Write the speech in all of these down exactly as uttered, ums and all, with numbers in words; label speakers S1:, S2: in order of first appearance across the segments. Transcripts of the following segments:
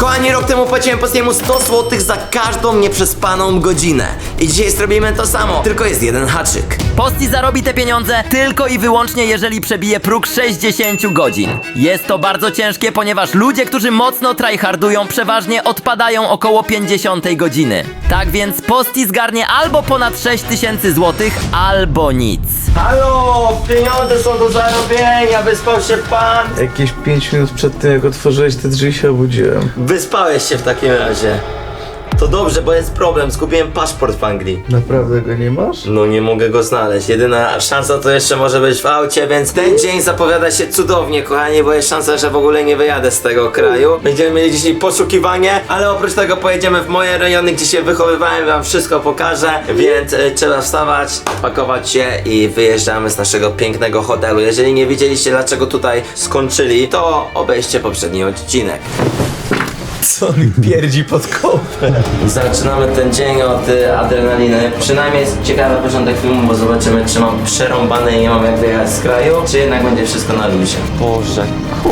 S1: Kochani, rok temu płaciłem Postiemu sto złotych za każdą nieprzespaną godzinę. I dzisiaj zrobimy to samo, tylko jest jeden haczyk.
S2: Posti zarobi te pieniądze tylko i wyłącznie, jeżeli przebije próg sześćdziesiąt godzin. Jest to bardzo ciężkie, ponieważ ludzie, którzy mocno tryhardują, przeważnie odpadają około pięćdziesiątej godziny. Tak więc Posti zgarnie albo ponad sześć tysięcy złotych, albo nic.
S1: Halo, pieniądze są do zarobienia, wyspał się pan?
S3: Jakieś pięć minut przed tym, jak otworzyłeś te drzwi, się obudziłem.
S1: Wyspałeś się w takim razie. To dobrze, bo jest problem, zgubiłem paszport w Anglii.
S3: Naprawdę go nie masz?
S1: No nie mogę go znaleźć, jedyna szansa to jeszcze może być w aucie, więc ten dzień zapowiada się cudownie, kochani, bo jest szansa, że w ogóle nie wyjadę z tego kraju. Będziemy mieli dzisiaj poszukiwanie, ale oprócz tego pojedziemy w moje rejony, gdzie się wychowywałem, wam wszystko pokażę, więc y, trzeba wstawać, pakować się i wyjeżdżamy z naszego pięknego hotelu. Jeżeli nie wiedzieliście, dlaczego tutaj skończyli, to obejrzcie poprzedni odcinek.
S3: Co mi pierdzi pod kopę?
S1: Zaczynamy ten dzień od y, adrenaliny. Przynajmniej jest ciekawy początek filmu, bo zobaczymy, czy mam przerąbane i nie mam jak wyjechać z kraju, czy jednak będzie wszystko na luzie. Boże.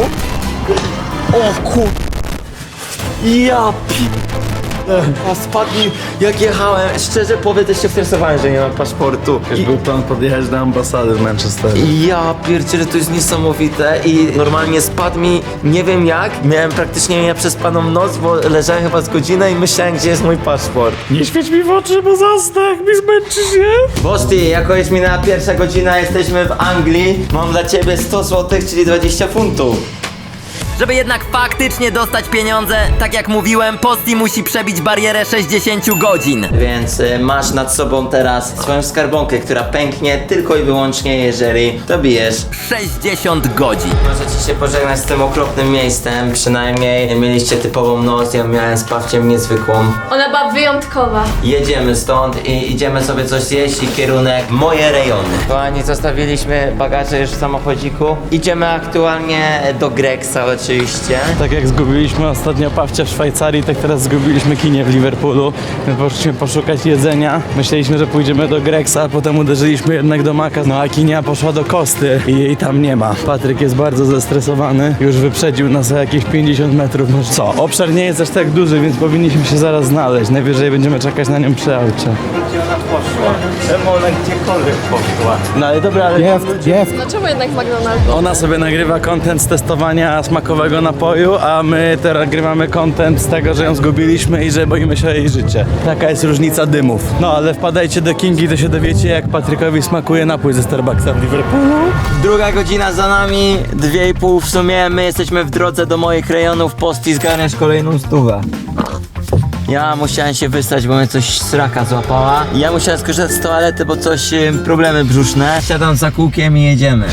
S1: O kur... Ja pi... A spadli, jak jechałem. Szczerze powiem, też się stresowałem, że nie mam paszportu.
S3: Już był plan podjechać do ambasady w Manchesterze.
S1: I ja pierdzielę, to jest niesamowite i normalnie spadł mi, nie wiem jak, miałem praktycznie nieprzespaną noc, bo leżałem chyba z godzinę i myślałem, gdzie jest mój paszport.
S3: Nie świeć mi w oczy, bo zasnę, jak mi zmęczy się.
S1: Bosti, jako jest minęła pierwsza godzina, jesteśmy w Anglii, mam dla ciebie sto złotych, czyli dwadzieścia funtów.
S2: Żeby jednak faktycznie dostać pieniądze, tak jak mówiłem, Posti musi przebić barierę sześćdziesiąt godzin.
S1: Więc y, masz nad sobą teraz swoją skarbonkę, która pęknie tylko i wyłącznie, jeżeli dobijesz.
S2: sześćdziesiąt godzin.
S1: Możecie się pożegnać z tym okropnym miejscem, przynajmniej mieliście typową noc, ja miałem z Pawciem niezwykłą.
S4: Ona była wyjątkowa.
S1: Jedziemy stąd i idziemy sobie coś zjeść i kierunek moje rejony. Kochani, zostawiliśmy bagaże już w samochodziku. Idziemy aktualnie do Gregsa oczywiście.
S3: Tak jak zgubiliśmy ostatnio Pawcia w Szwajcarii, tak teraz zgubiliśmy kinię w Liverpoolu. My poszliśmy poszukać jedzenia. Myśleliśmy, że pójdziemy do Gregsa, a potem uderzyliśmy jednak do Maka. No a kinia poszła do Kosty i jej tam nie ma. Patryk jest bardzo zestresowany. Już wyprzedził nas o jakieś pięćdziesiąt metrów. Może co? Obszar nie jest aż tak duży, więc powinniśmy się zaraz znaleźć. Najwyżej będziemy czekać na nią przy aucie.
S1: Gdzie ona poszła? Czemu ona gdziekolwiek poszła?
S3: No ale dobra, ale... Jest, jest.
S4: No czemu jednak McDonald's?
S3: Ona sobie nagrywa content z testowania smakowego napoju, a my teraz nagrywamy content z tego, że ją zgubiliśmy i że boimy się o jej życie. Taka jest różnica dymów. No ale wpadajcie do Kingi, to się dowiecie, jak Patrykowi smakuje napój ze Starbucksa w Liverpoolu.
S1: Druga godzina za nami, dwie i pół w sumie. My jesteśmy w drodze do moich rejonów. Posti, zgarniasz kolejną stówę. Ja musiałem się wystać, bo mnie coś sraka złapała. Ja musiałem skorzystać z toalety, bo coś, y, problemy brzuszne. Siadam za kółkiem i jedziemy.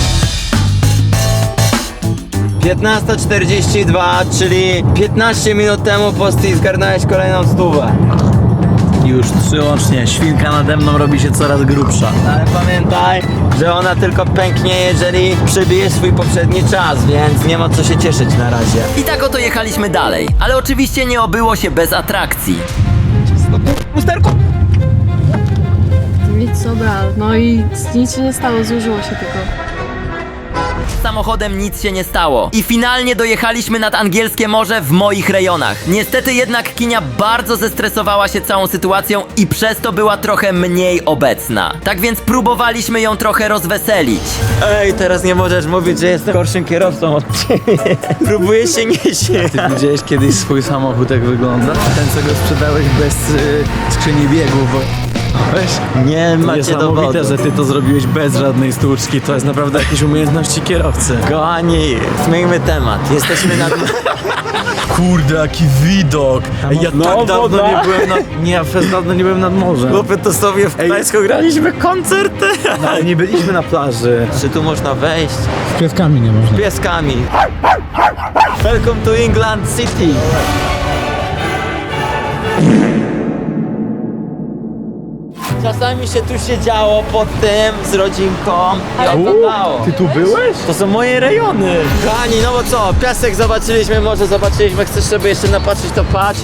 S1: piętnasta czterdzieści dwa, czyli piętnaście minut temu, Posti, zgarnąłeś kolejną stówę.
S3: Już trzy łącznie. Świnka nade mną robi się coraz grubsza.
S1: Ale pamiętaj, że ona tylko pęknie, jeżeli przebije swój poprzedni czas, więc nie ma co się cieszyć na razie.
S2: I tak oto jechaliśmy dalej, ale oczywiście nie obyło się bez atrakcji.
S1: Lusterko!
S4: Nic, dobra, no i nic się nie stało, zużyło się tylko.
S2: Z samochodem nic się nie stało. I finalnie dojechaliśmy nad angielskie morze w moich rejonach. Niestety jednak Kinia bardzo zestresowała się całą sytuacją i przez to była trochę mniej obecna. Tak więc próbowaliśmy ją trochę rozweselić.
S1: Ej, teraz nie możesz mówić, że jestem gorszym kierowcą od ciebie. Próbuję się nie się.
S3: Ty widziałeś kiedyś swój samochód, jak wygląda? Ten, co go sprzedałeś bez y, skrzyni biegów. Bo... Weź.
S1: Nie macie dowodu.
S3: Niesamowite, że ty to zrobiłeś bez żadnej sztuczki. To jest naprawdę jakieś umiejętności kierowcy.
S1: Kochani, zmieńmy temat. Jesteśmy nad...
S3: Kurde, jaki widok! Ej, ja
S1: No,
S3: tak dawno
S1: woda.
S3: nie byłem nad... Nie, ja przez dawno nie byłem nad morzem.
S1: Chłopie, to sobie w Gdańsku graliśmy koncerty.
S3: No, ale nie byliśmy na plaży.
S1: Czy tu można wejść?
S3: Z pieskami nie można.
S1: Z pieskami. Welcome to England City. Czasami się tu siedziało pod tym z rodzinką i oglądało.
S3: Ty tu byłeś?
S1: To są moje rejony. Kochani, no bo co, piasek zobaczyliśmy, morze zobaczyliśmy, chcesz sobie jeszcze napatrzeć, to patrz.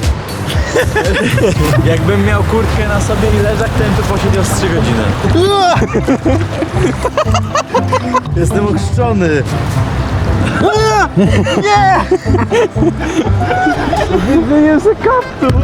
S3: Jakbym miał kurtkę na sobie i leżak, to bym tu posiedział z trzy godziny. Jestem ochrzczony. Nie! Myślałem, że kaptur.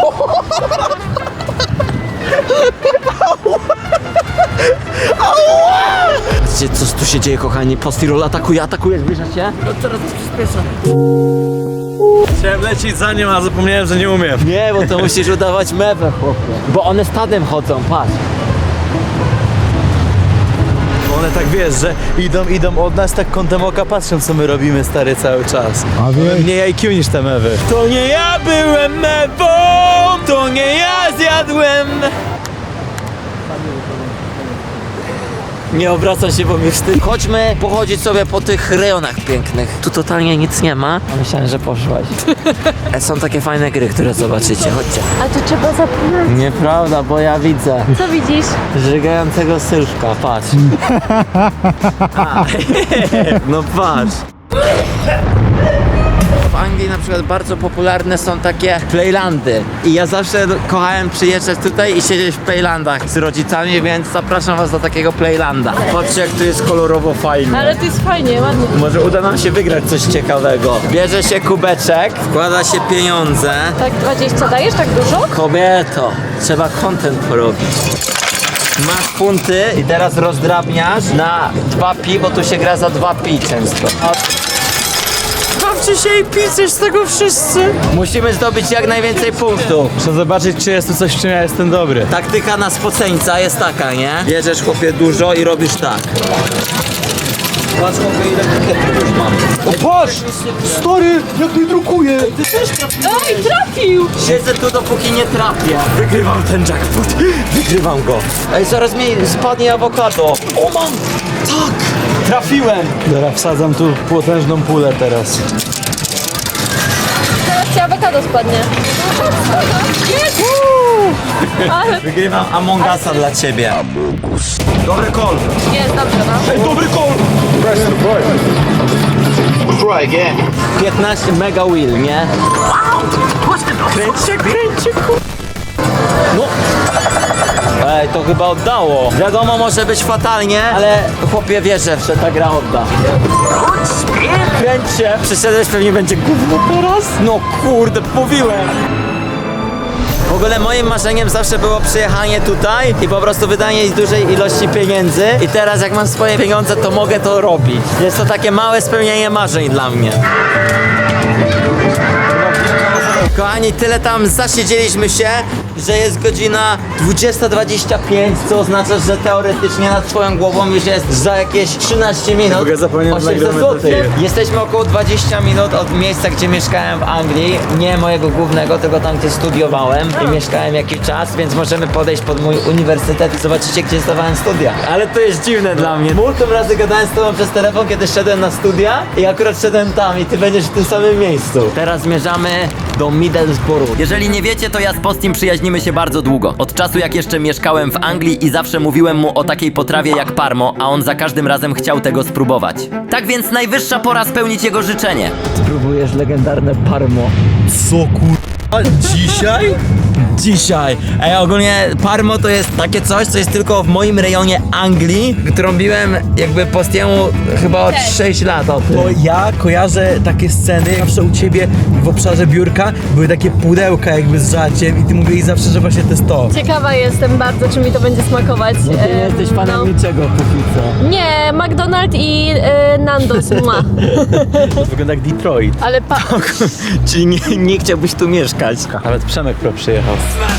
S2: Wiecie, co tu się dzieje, kochani? Postirol atakuje, atakuje, zbliża się. No teraz przyspiesza.
S3: Chciałem lecieć za nim, a zapomniałem, że nie umiem.
S2: Nie, bo to musisz udawać mewę, chłopie. Bo one stadem chodzą, patrz.
S3: Bo one tak, wiesz, że idą, idą od nas, tak kątem oka patrzą, co my robimy, stary, cały czas. A wie... Mniej I Q niż te mewy. To nie ja byłem mewą, to nie ja zjadłem.
S2: Nie obracam się, bo mi wstyd. Chodźmy pochodzić sobie po tych rejonach pięknych. Tu totalnie nic nie ma. A myślałem, że poszłaś. Są takie fajne gry, które zobaczycie. Chodźcie.
S4: A tu trzeba zapomnieć.
S2: Nieprawda, bo ja widzę
S4: Co widzisz?
S2: żygającego sylwka. Patrz. A. No patrz. W Anglii na przykład bardzo popularne są takie playlandy i ja zawsze kochałem przyjeżdżać tutaj i siedzieć w playlandach z rodzicami, więc zapraszam was do takiego playlanda. Patrzcie, jak tu jest kolorowo fajnie.
S4: Ale to jest fajnie, ładnie.
S2: Może uda nam się wygrać coś ciekawego. Bierze się kubeczek, wkłada się pieniądze.
S4: Tak dwadzieścia dajesz? Tak dużo?
S2: Kobieto, trzeba content porobić. Masz funty i teraz rozdrabniasz na dwa pi, bo tu się gra za dwa pi często. Bawcie się i piszesz z tego wszyscy. Musimy zdobyć jak najwięcej punktów.
S3: Muszę zobaczyć, czy jest tu coś, w czym ja jestem dobry.
S2: Taktyka na spoceńca jest taka, nie? Bierzesz, chłopie, dużo i robisz tak. Patrz, chłopie, ile buketów już mam.
S3: O, patrz! Stary, jak mi drukuje!
S4: Oj, trafił!
S2: Siedzę tu, dopóki nie trafię.
S3: Wygrywam ten jackpot.
S2: Wygrywam go. Ej, zaraz mi spadnie awokado. O, mam! Tak! Trafiłem!
S3: Dobra, wsadzam tu potężną pulę teraz.
S4: Teraz ci awokado spadnie. Jest! Ale
S2: Wygrywam Among Usa dla ciebie. Dobry call.
S4: jest, dobrze, no.
S3: Ej, dobry call!
S2: piętnaście mega wheel, nie? Kręcie, kręcie, ku... No. Ej, to chyba oddało. Wiadomo, może być fatalnie, ale chłopie wierzę, że ta gra odda. Kręcie. Przyszedłeś, pewnie będzie gówno teraz? No kurde, mówiłem. W ogóle moim marzeniem zawsze było przyjechanie tutaj i po prostu wydanie dużej ilości pieniędzy i teraz jak mam swoje pieniądze, to mogę to robić. Jest to takie małe spełnienie marzeń dla mnie. Kochani, tyle tam zasiedzieliśmy się, że jest godzina dwudziesta dwadzieścia pięć, co oznacza, że teoretycznie nad twoją głową już jest za jakieś trzynaście minut.
S3: W ogóle zapomniałem, że
S2: osiemset
S3: nagramy do
S2: złotych.
S3: tego.
S2: Jesteśmy około dwadzieścia minut od miejsca, gdzie mieszkałem w Anglii. Nie mojego głównego, tylko tam, gdzie studiowałem i mieszkałem jakiś czas, więc możemy podejść pod mój uniwersytet i zobaczycie, gdzie zdawałem studia. Ale to jest dziwne dla mnie. Multum razy gadałem z tobą przez telefon, kiedy szedłem na studia i akurat szedłem tam i ty będziesz w tym samym miejscu. Teraz zmierzamy do Middlesbrough. Jeżeli nie wiecie, to ja z Postim przyjaźnimy się bardzo długo. Od czasu, jak jeszcze mieszkałem w Anglii i zawsze mówiłem mu o takiej potrawie jak parmo, a on za każdym razem chciał tego spróbować. Tak więc najwyższa pora spełnić jego życzenie. Spróbujesz legendarne parmo.
S3: Co kur... Dzisiaj?
S2: Dzisiaj. Ej, ogólnie parmo to jest takie coś, co jest tylko w moim rejonie Anglii, którą biłem jakby Postiemu chyba od sześć lat o tym.
S3: Bo ja kojarzę takie sceny, zawsze u ciebie w obszarze biurka były takie pudełka jakby z żaciem i ty mówiłeś zawsze, że właśnie to jest to.
S4: Ciekawa jestem bardzo, czy mi to będzie smakować.
S2: No ty nie
S4: Em,
S2: jesteś fanem
S4: no.
S2: niczego póki co.
S4: Nie, McDonald's i e, Nando's ma.
S3: To wygląda jak Detroit.
S4: Ale pa...
S2: Czyli nie, nie chciałbyś tu mieszkać.
S3: Nawet Przemek Pro przyjechał.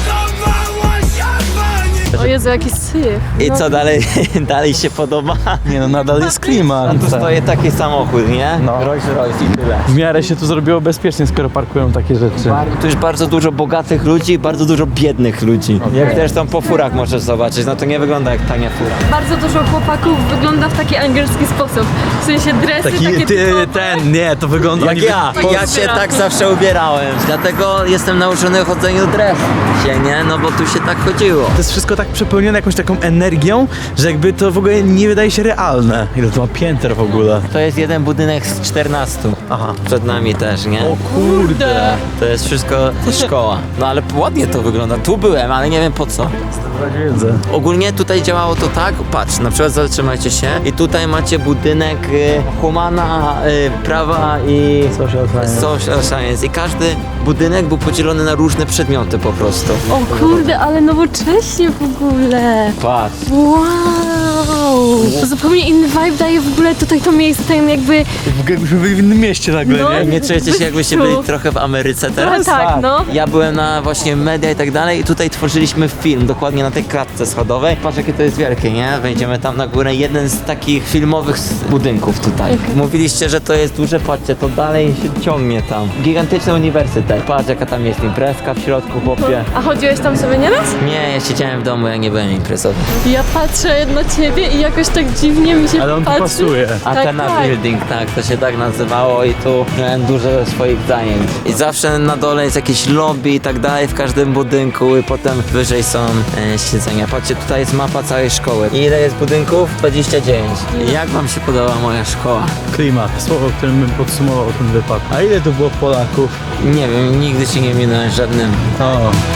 S4: O Jezu, jaki syf.
S2: I
S4: No.
S2: co dalej, dalej się podoba?
S3: Nie no, nadal jest klimat.
S2: A tu stoi taki samochód, nie?
S3: No.
S2: Rolls Royce i tyle.
S3: W miarę się tu zrobiło bezpiecznie, skoro parkują takie rzeczy.
S2: Tu już bardzo dużo bogatych ludzi i bardzo dużo biednych ludzi. Jak zresztą po furach możesz zobaczyć, no to nie wygląda jak tania fura.
S4: Bardzo dużo chłopaków wygląda w taki angielski sposób. W sensie dresy
S3: Taki
S4: takie
S3: ty,
S4: typowe.
S3: ten, nie, to wygląda...
S2: Jak
S3: oni
S2: ja,
S3: wy-
S2: ja się tak zawsze ubierałem. Dlatego jestem nauczony chodzeniu dresu się, nie? No bo tu się tak chodziło.
S3: To jest wszystko tak przepełnione jakąś taką energią, że jakby to w ogóle nie wydaje się realne. Ile to ma pięter w ogóle?
S2: To jest jeden budynek z czternastu.
S3: Aha.
S2: Przed nami też, nie?
S3: O kurde.
S2: To jest wszystko szkoła. No ale ładnie to wygląda. Tu byłem, ale nie wiem po co.
S3: Wiedzę.
S2: Ogólnie tutaj działało to tak, patrz, na przykład zatrzymajcie się i tutaj macie budynek y, humana, y, prawa i
S3: Social science.
S2: social science i każdy budynek był podzielony na różne przedmioty po prostu.
S4: O kurde, ale nowocześnie w ogóle.
S2: Patrz.
S4: Wow! To zupełnie inny vibe daje w ogóle tutaj to miejsce, tam jakby...
S3: Jakbyśmy byli w innym mieście nagle,
S4: No.
S3: nie?
S2: Nie czujecie się jakbyście byli trochę w Ameryce teraz?
S4: Trochę tak, no.
S2: Ja byłem na właśnie media i tak dalej i tutaj tworzyliśmy film, dokładnie na tej klatce schodowej. Patrz jakie to jest wielkie, nie? Wejdziemy tam na górę, jeden z takich filmowych s- budynków tutaj. Mówiliście, że to jest duże, patrzcie, to dalej się ciągnie tam. Gigantyczny uniwersytet. Patrz jaka tam jest imprezka w środku, chłopie.
S4: A chodziłeś tam sobie nieraz?
S2: Nie, ja siedziałem w domu, ja nie byłem imprezowy.
S4: Ja patrzę na ciebie i jakoś tak dziwnie mi się
S3: Ale on tu
S4: patrzy.
S3: pasuje.
S2: Atena
S4: tak.
S2: Building, tak, to się tak nazywało i tu miałem dużo swoich zajęć. I zawsze na dole jest jakieś lobby i tak dalej w każdym budynku i potem wyżej są e, siedzenia. Patrzcie, tutaj jest mapa całej szkoły. I ile jest budynków? dwadzieścia dziewięć. Jak wam się podoba moja szkoła?
S3: Klimat, słowo, którym bym podsumował ten wypad. A ile tu było Polaków?
S2: Nie wiem, nigdy się nie minąłem żadnym.
S3: O.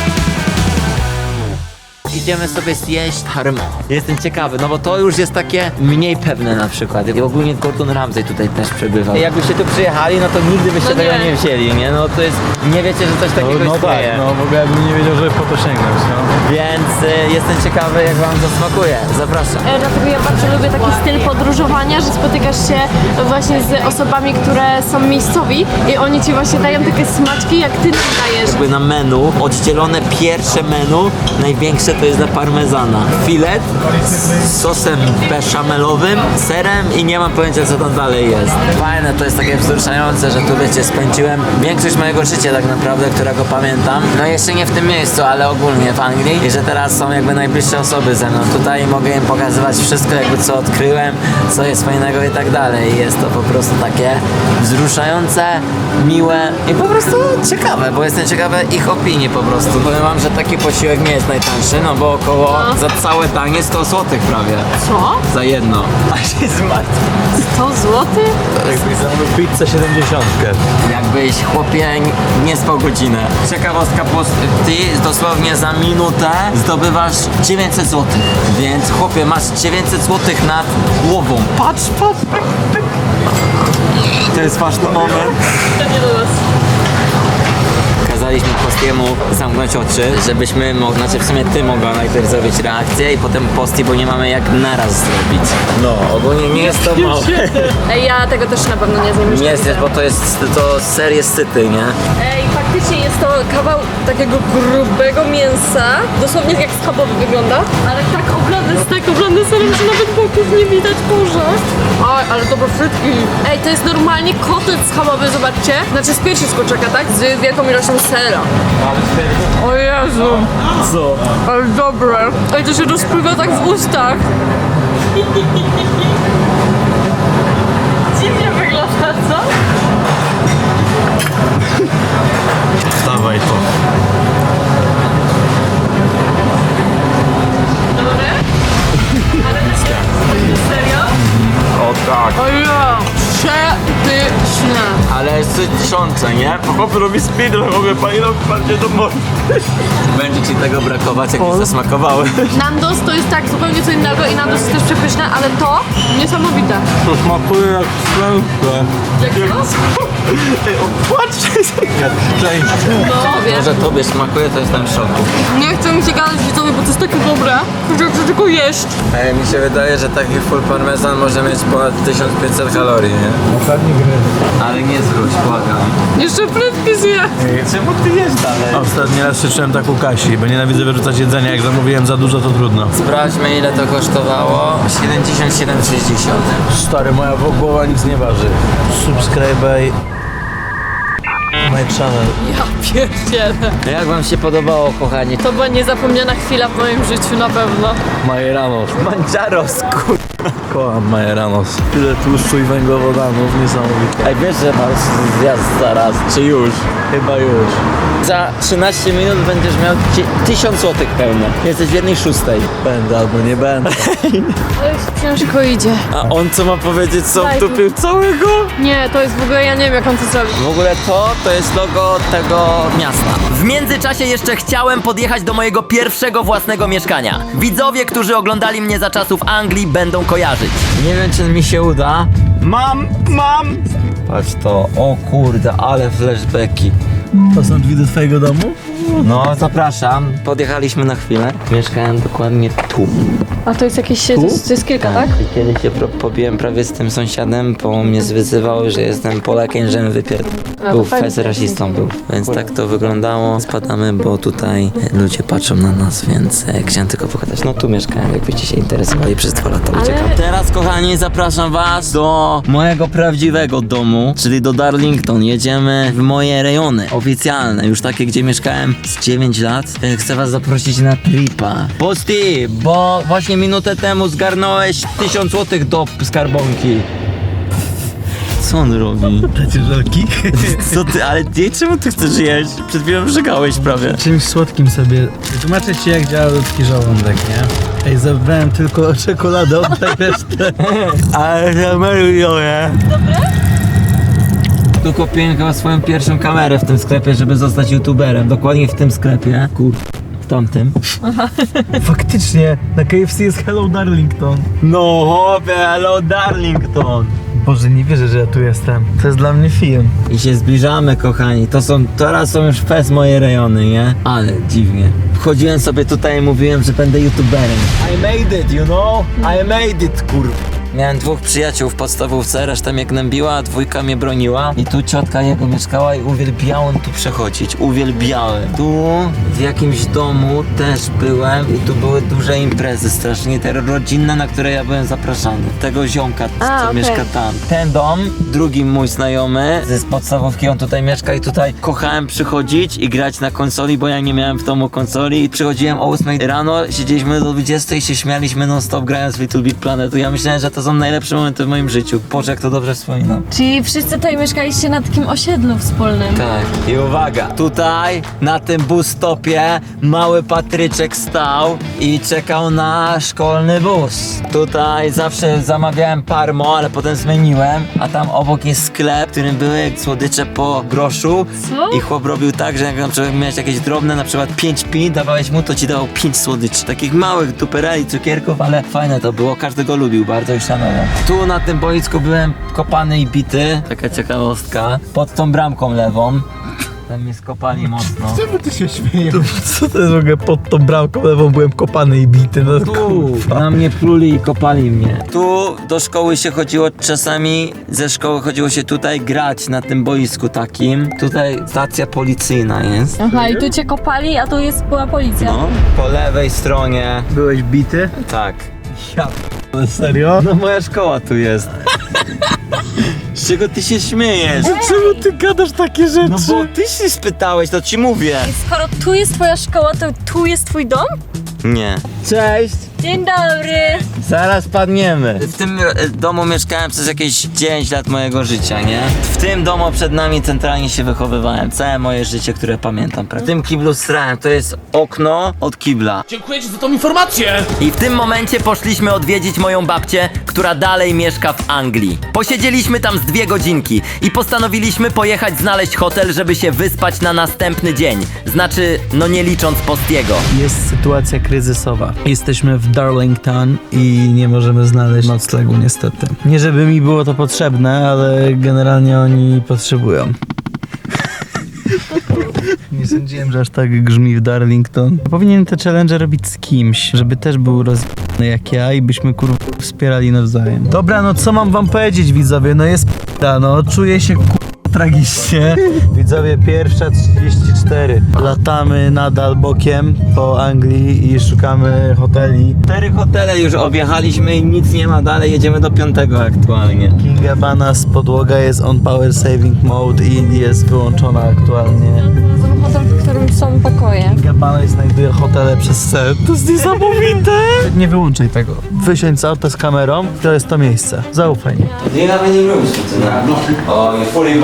S2: Idziemy sobie zjeść harmo. Jestem ciekawy, no bo to już jest takie mniej pewne na przykład. I ogólnie Gordon Ramsay tutaj też przebywał. Jakbyście tu przyjechali, no to nigdy byście
S4: No
S2: tego
S4: nie.
S2: nie wzięli, nie? No to jest, nie wiecie, że coś takiego
S3: No, no tak,
S2: istnieje.
S3: no w ogóle bym nie wiedział, żeby po to sięgnąć, no.
S2: Więc y, jestem ciekawy, jak wam to smakuje. Zapraszam.
S4: E, Dlatego ja bardzo lubię taki styl podróżowania, że spotykasz się właśnie z osobami, które są miejscowi i oni ci właśnie dają takie smaczki, jak ty nam dajesz.
S2: Jakby na menu, oddzielone pierwsze menu, największe to jest dla parmezana. Filet z sosem beszamelowym, serem i nie mam pojęcia, co tam dalej jest. Fajne, to jest takie wzruszające, że tu wiecie, spędziłem większość mojego życia tak naprawdę, którego pamiętam. No jeszcze nie w tym miejscu, ale ogólnie w Anglii i że teraz są jakby najbliższe osoby ze mną tutaj i mogę im pokazywać wszystko jakby co odkryłem, co jest fajnego i tak dalej. Jest to po prostu takie wzruszające, miłe i po prostu ciekawe, bo jestem ciekawy ich opinii po prostu. Powiem wam, że taki posiłek nie jest najtańszy, no bo około
S4: No.
S2: za całe danie sto złotych prawie.
S4: Co?
S2: Za jedno. A się zmartwił.
S4: sto złotych?
S3: Jakbyś zamówił pizzę siedemdziesiątkę.
S2: Jakbyś chłopie nie spał godzinę. Ciekawostka, bo ty dosłownie za minutę zdobywasz dziewięćset złotych. Więc chłopie masz dziewięćset złotych nad głową. Patrz, patrz. To jest ważny moment.
S4: To nie do nas.
S2: Kazaliśmy Postiemu zamknąć oczy, żebyśmy mogli, znaczy w sumie ty mogła najpierw zrobić reakcję i potem Posti, bo nie mamy jak naraz zrobić. No, ogólnie nie jest to małe.
S4: Ej, ja tego też na pewno nie zjem.
S2: Nie jest, bo to jest, to ser jest syty, nie?
S4: Ej, faktycznie jest to kawał takiego grubego mięsa, dosłownie jak schabowy wygląda, ale tak oblane, jest tak oblane serem, że nawet boków nie widać, Boże. Oj, ale dobre frytki. Ej, to jest normalnie kotlet schabowy, zobaczcie. Znaczy z piersi z kurczaka, tak? Z wielką ilością sera. O Jezu.
S3: Co?
S4: Ale dobre. Ej, to się rozpływa tak w ustach. Dziwnie wygląda, co?
S3: Dawaj to.
S4: Dobre? Ale serio?
S3: O tak.
S4: O ja! Przepyszne.
S2: Ale jest tysiące, nie?
S3: Chłop robi speedrun, w ogóle pani rok bardziej do morza.
S2: Będzie ci tego brakować, jak już zasmakowały.
S4: Nandos to jest tak zupełnie co innego i Nandos jest też przepyszne, ale to niesamowite.
S3: To smakuje jak klęskę.
S4: Jak to?
S3: Patrzcie!
S4: No
S2: To,
S4: wiem.
S2: że tobie smakuje, to jestem w szoku.
S4: Nie chcę mi się gadać widzowie, bo to jest takie dobre, że chcę tylko jeść.
S2: Ej, mi się wydaje, że taki full parmesan może mieć ponad tysiąc pięćset kalorii, nie?
S3: Ostatni gry.
S2: Ale nie zwróć, błagam.
S4: Jeszcze frytki zje.
S2: Czemu ty jesz dalej?
S3: Ostatni raz krzyczałem tak u Kasi, bo nienawidzę wyrzucać jedzenia. Jak zamówiłem za dużo, to trudno.
S2: Sprawdźmy, ile to kosztowało. siedemdziesiąt siedem sześćdziesiąt.
S3: Stary, moja głowa nic nie waży. Subscribe my channel.
S4: Ja pierdzielę.
S2: Jak wam się podobało, kochani?
S4: To była niezapomniana chwila w moim życiu, na pewno.
S3: Majeranos.
S2: Manjaros, kur...
S3: Kocham Majeranos. Tyle tłuszczu i węglowodanów, niesamowite.
S2: Ej, wiesz, że masz zjazd zaraz, czy już?
S3: Chyba już.
S2: Za trzynaście minut będziesz miał tysiąc złotych pełne. Jesteś w jednej szóstej.
S3: Będę albo nie będę.
S4: Ale już ciężko idzie.
S2: A on co ma powiedzieć, co
S4: Daj tu.
S2: wtupił całego?
S4: Nie, to jest w ogóle, ja nie wiem jak on to zrobił.
S2: W ogóle to, to jest logo tego miasta. W międzyczasie jeszcze chciałem podjechać do mojego pierwszego własnego mieszkania. Widzowie, którzy oglądali mnie za czasów Anglii, będą kojarzyć. Nie wiem, czy mi się uda. Mam, mam! Patrz to, o kurde, ale flashbacki.
S3: To są drzwi do twojego domu?
S2: No, zapraszam. Podjechaliśmy na chwilę. Mieszkałem dokładnie tu.
S4: A to jest jakieś, to jest, to jest kilka, tak?
S2: I kiedyś się pro- pobiłem prawie z tym sąsiadem, bo mnie zwyzywał, że jestem Polakiem, że wypierd...
S4: A, to
S2: Był
S4: fajnie.
S2: fez rasistą był. Więc tak to wyglądało. Spadamy, bo tutaj ludzie patrzą na nas, więc e, chciałem tylko pokazać. No tu mieszkałem, jakbyście się interesowali przez dwa lata.
S4: Ale-
S2: Uciekam. Teraz, kochani, zapraszam was do mojego prawdziwego domu, czyli do Darlington. Jedziemy w moje rejony oficjalne, już takie, gdzie mieszkałem z dziewięć lat. E, Chcę was zaprosić na tripa. Posty, bo właśnie minutę temu zgarnąłeś tysiąc złotych do skarbonki. Co on robi?
S3: Dacie żelki?
S2: Co ty, ale ty, czemu ty chcesz jeść? Przed chwilą żegałeś prawie.
S3: Czymś słodkim sobie. Tłumaczę ci, jak działa ludzki żołądek, nie? Ej, zabrałem tylko czekoladę, oddaj resztę.
S2: Ale zameruję. Tu kupiłem chyba swoją pierwszą kamerę w tym sklepie, żeby zostać youtuberem. Dokładnie w tym sklepie. Kur... w tamtym.
S3: Faktycznie, na K F C jest Hello Darlington.
S2: No hopie, hello Darlington.
S3: Boże, nie wierzę, że ja tu jestem. To jest dla mnie film.
S2: I się zbliżamy, kochani. To są, teraz są już fest moje rejony, nie? Ale dziwnie. Wchodziłem sobie tutaj i mówiłem, że będę youtuberem. I made it, you know? I made it, kur... Miałem dwóch przyjaciół w podstawówce, reszta mnie gnębiła, a dwójka mnie broniła. I tu ciotka jego mieszkała i uwielbiałem tu przechodzić. Uwielbiałem. Tu w jakimś domu też byłem i tu były duże imprezy strasznie, te rodzinne, na które ja byłem zapraszany. Tego ziomka,
S4: A,
S2: co
S4: okej.
S2: mieszka tam. Ten dom, drugi mój znajomy z podstawówki, on tutaj mieszka i tutaj kochałem przychodzić i grać na konsoli, bo ja nie miałem w domu konsoli i przychodziłem o ósmej rano, siedzieliśmy do dwudziestej i się śmialiśmy non stop grając w Little Big Planet. Ja myślałem, że to są najlepsze momenty w moim życiu. Boże, jak to dobrze wspominam.
S4: Czyli wszyscy tutaj mieszkaliście na takim osiedlu wspólnym.
S2: Tak. I uwaga, tutaj na tym bus stopie mały Patryczek stał i czekał na szkolny bus. Tutaj zawsze zamawiałem parmo, ale potem zmieniłem, a tam obok jest sklep, w którym były słodycze po groszu.
S4: Co?
S2: I chłop robił tak, że jak na przykład miałeś jakieś drobne, na przykład pięć pi, dawałeś mu, to ci dawał pięć słodyczy. Takich małych dupereli, cukierków, ale fajne to było, każdy go lubił bardzo i szanował. Tu na tym boisku byłem kopany i bity, taka ciekawostka, pod tą bramką lewą. Tam mnie skopali mocno.
S3: Czemu ty się śmiejesz? Co to jest w ogóle pod tą bramką lewą byłem kopany i bity? No
S2: Tu
S3: kurwa.
S2: na mnie pluli i kopali mnie. Tu do szkoły się chodziło czasami, ze szkoły chodziło się tutaj grać na tym boisku takim. Tutaj stacja policyjna jest.
S4: Aha, i tu cię kopali, a tu jest była policja.
S2: No, po lewej stronie.
S3: Byłeś bity?
S2: Tak.
S3: Ja p***le, serio?
S2: No moja szkoła tu jest. Z czego ty się śmiejesz?
S3: Czemu ty gadasz takie rzeczy?
S2: No bo ty się spytałeś, to ci mówię.
S4: I skoro tu jest twoja szkoła, to tu jest twój dom?
S2: Nie. Cześć.
S4: Dzień dobry!
S2: Zaraz padniemy. W tym e, domu mieszkałem przez jakieś dziewięć lat mojego życia, nie? W tym domu przed nami centralnie się wychowywałem. Całe moje życie, które pamiętam. W tym kiblu srałem. To jest okno od kibla.
S5: Dziękuję ci za tą informację!
S2: I w tym momencie poszliśmy odwiedzić moją babcię, która dalej mieszka w Anglii. Posiedzieliśmy tam z dwie godzinki i postanowiliśmy pojechać znaleźć hotel, żeby się wyspać na następny dzień. Znaczy, no nie licząc Postiego.
S3: Jest sytuacja kryzysowa. Jesteśmy w Darlington i nie możemy znaleźć noclegu niestety. Nie żeby mi było to potrzebne, ale generalnie oni potrzebują. Nie sądziłem, że aż tak grzmi w Darlington. Powinien te challenge robić z kimś, żeby też był rozjebany jak ja i byśmy kurwa wspierali nawzajem. Dobra, no co mam wam powiedzieć, widzowie? No jest p***a, no czuję się kurwa tragicznie. Widzowie, pierwsza trzydzieści cztery. Latamy nadal bokiem po Anglii i szukamy hoteli.
S2: Cztery hotele już objechaliśmy i nic nie ma dalej. Jedziemy do piątego aktualnie.
S3: Kinga Banas, podłoga jest on power saving mode i jest wyłączona aktualnie.
S4: Hotel, w którym są pokoje.
S3: Kinga i znajduje hotele przez set. To jest niesamowite! Nie wyłączaj tego. Wysiądź z auta z kamerą, to jest to miejsce. Zaufaj mi.
S1: Do you have any rooms for tonight? Oh, you're fully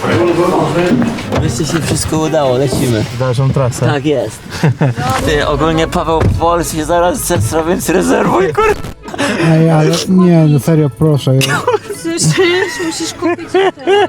S1: booked.
S2: Wreszcie się wszystko udało, lecimy.
S3: W dalszą trasę.
S2: Tak jest. Ty, ogólnie Paweł Pols się zaraz zetra, więc rezerwuj, kur...
S5: Ej, ale nie, no serio, proszę.
S4: Przecież musisz kupić teraz.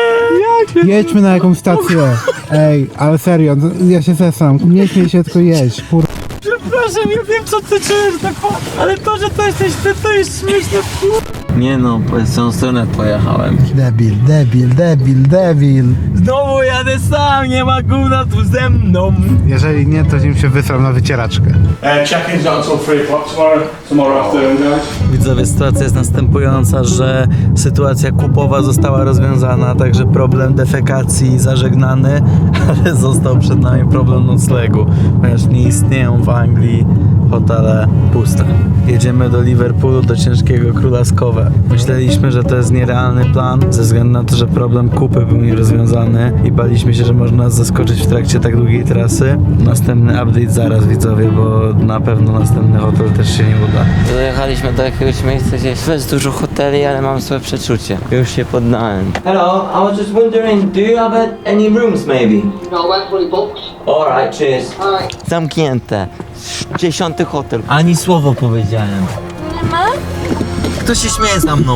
S5: Jedźmy na jakąś stację. Ej, ale serio, no, ja się zesram. Nie śmiej się, tylko jedź. Kur...
S3: Przepraszam, ja wiem co ty czujesz, tak, ale to, że to jesteś ty, to jest śmieszne.
S2: Nie no, w tą stronę pojechałem.
S5: Debil, debil, debil, debil.
S3: Znowu jadę sam, nie ma gówna tu ze mną.
S5: Jeżeli nie, to nim się wysram na wycieraczkę.
S6: Uh, check-in's not until three o'clock tomorrow, tomorrow afternoon, guys.
S3: Widzowie, sytuacja jest następująca, że sytuacja kupowa została rozwiązana, także problem defekacji zażegnany, ale został przed nami problem noclegu, ponieważ nie istnieją w Anglii hotele puste. Jedziemy do Liverpoolu, do ciężkiego Królewskowe. Myśleliśmy, że to jest nierealny plan, ze względu na to, że problem kupy był nierozwiązany i baliśmy się, że można nas zaskoczyć w trakcie tak długiej trasy. Następny update zaraz, widzowie, bo na pewno następny hotel też się nie uda.
S2: Dojechaliśmy do jakiegoś miejsca, gdzie jest dużo hoteli, ale mam swoje przeczucie. Już się poddałem. Hello, I was just wondering, do you have any rooms maybe?
S7: No, we're fully booked.
S2: Alright, cheers.
S7: Alright.
S2: Zamknięte. Dziesiąty hotel. Ani słowo powiedziałem.
S4: Nie ma?
S2: Kto się śmieje za mną?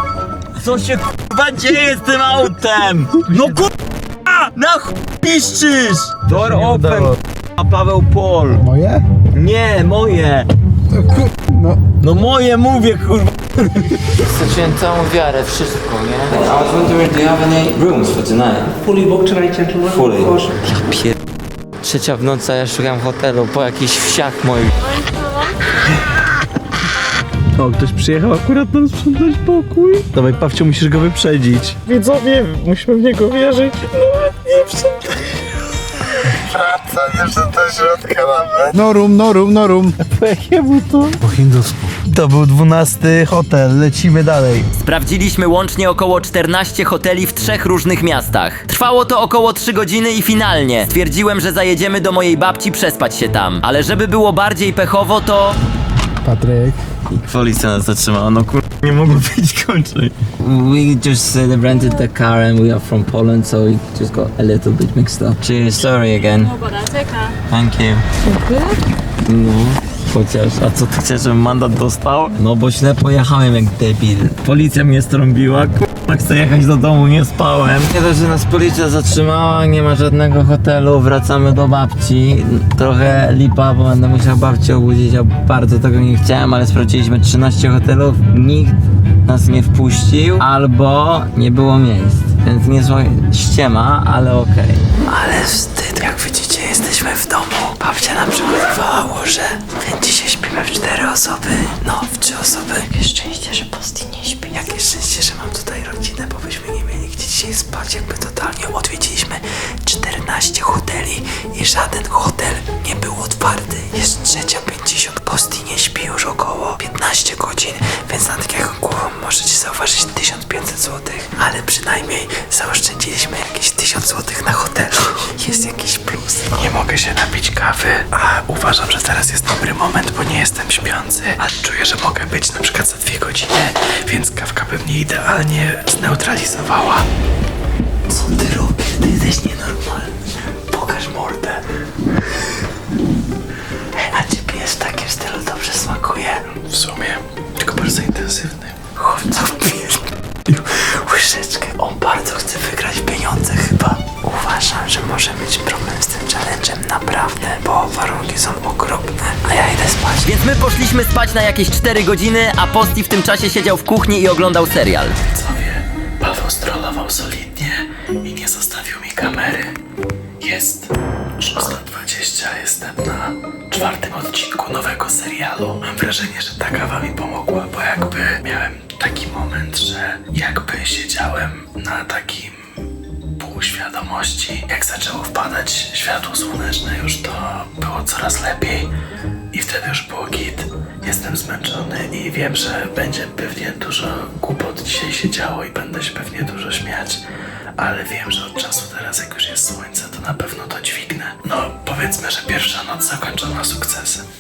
S2: Co się k***wa dzieje z tym autem? No k***a! Na ch... piszczysz! Door open, a Paweł Pol.
S5: Moje?
S2: Nie, moje.
S5: No.
S2: No moje mówię, kurwa. Straciłem całą wiarę, wszystko, nie? I was wondering, do you have any rooms for tonight?
S8: Fully booked tonight, gentlemen.
S2: Fully.
S8: Of course.
S2: Ja pier... Trzecia w nocy, a ja szukam hotelu po jakichś wsiach moich.
S3: O, ktoś przyjechał akurat nam sprzątać pokój. Dawaj, Pawciu, musisz go wyprzedzić. Widzowie, musimy w niego wierzyć. Nawet nie sprzątaj. Wraca, jeszcze do środka nawet.
S5: No room, no room, no room.
S3: Po jakiemu to?
S5: Po hindusku.
S3: To był dwunasty hotel, lecimy dalej.
S2: Sprawdziliśmy łącznie około czternaście hoteli w trzech różnych miastach. Trwało to około trzy godziny i finalnie stwierdziłem, że zajedziemy do mojej babci przespać się tam. Ale żeby było bardziej pechowo, to...
S5: Patryk.
S2: Policja nas zatrzymała, no kur... nie mogło być kończej. We just uh, rented the car and we are from Poland, so we just got a little bit mixed up. Cheers, sorry again. Thank you. No, chociaż, a co ty chcesz, żebym mandat dostał? No bo źle pojechałem jak debil. Policja mnie strąbiła, k***a, chcę jechać do domu, nie spałem. Nie dość, że nas policja zatrzymała, nie ma żadnego hotelu, wracamy do babci. Trochę lipa, bo będę musiał babcię obudzić, a bardzo tego nie chciałem, ale sprawdziliśmy trzynaście hotelów, nikt nas nie wpuścił, albo nie było miejsc. Więc niezła ściema, ale okej. Ale wstyd, jak widzicie, jesteśmy w domu. Babcia nam przygotowała łoże, więc dzisiaj śpimy w cztery osoby. No, w trzy osoby. Jakie szczęście, że Posti nie śpi. Jakie szczęście, że mam tutaj rodzinę, bo byśmy nie mieli gdzie dzisiaj spać. Jakby totalnie odwiedziliśmy czternaście hoteli i żaden hotel nie był otwarty. Jest trzecia pięćdziesiąt. Posti nie śpi już około piętnaście godzin, więc nad jaką głową możecie zauważyć tysiąc pięćset złotych. Ale przynajmniej zaoszczędziliśmy jakieś tysiąc złotych na hotelu. Jest jakiś plus.
S9: Nie mogę się napić kawy, a uważam, że teraz jest dobry moment, bo nie jestem śpiący, a czuję, że mogę być na przykład za dwie godziny, więc kawka by mnie idealnie zneutralizowała.
S2: Co ty robisz? Ty jesteś nienormalny. Pokaż mordę. Hej, a czy pijesz w takim stylu dobrze smakuje?
S9: W sumie, tylko bardzo intensywny.
S2: Chłopca pijesz łyżeczkę. On bardzo chce wygrać pieniądze chyba. Uważam, że może mieć problem z tym challenge'em naprawdę, bo warunki są okropne, a ja idę spać. Więc my poszliśmy spać na jakieś cztery godziny, a Posti w tym czasie siedział w kuchni i oglądał serial.
S9: Co wie, Paweł strollował solidnie i nie zostawił mi kamery. Jest szósta dwadzieścia, jestem na czwartym odcinku nowego serialu. Mam wrażenie, że ta kawa mi pomogła, bo jakby miałem taki moment, że jakby siedziałem na takim półświadomości. Jak zaczęło wpadać światło słoneczne już, to było coraz lepiej. i wtedy już było git. Jestem zmęczony i wiem, że będzie pewnie dużo głupot dzisiaj się działo i będę się pewnie dużo śmiać, ale wiem, że od czasu teraz, jak już jest słońce, to na pewno to dźwignę. No, powiedzmy, że pierwsza noc zakończona sukcesem.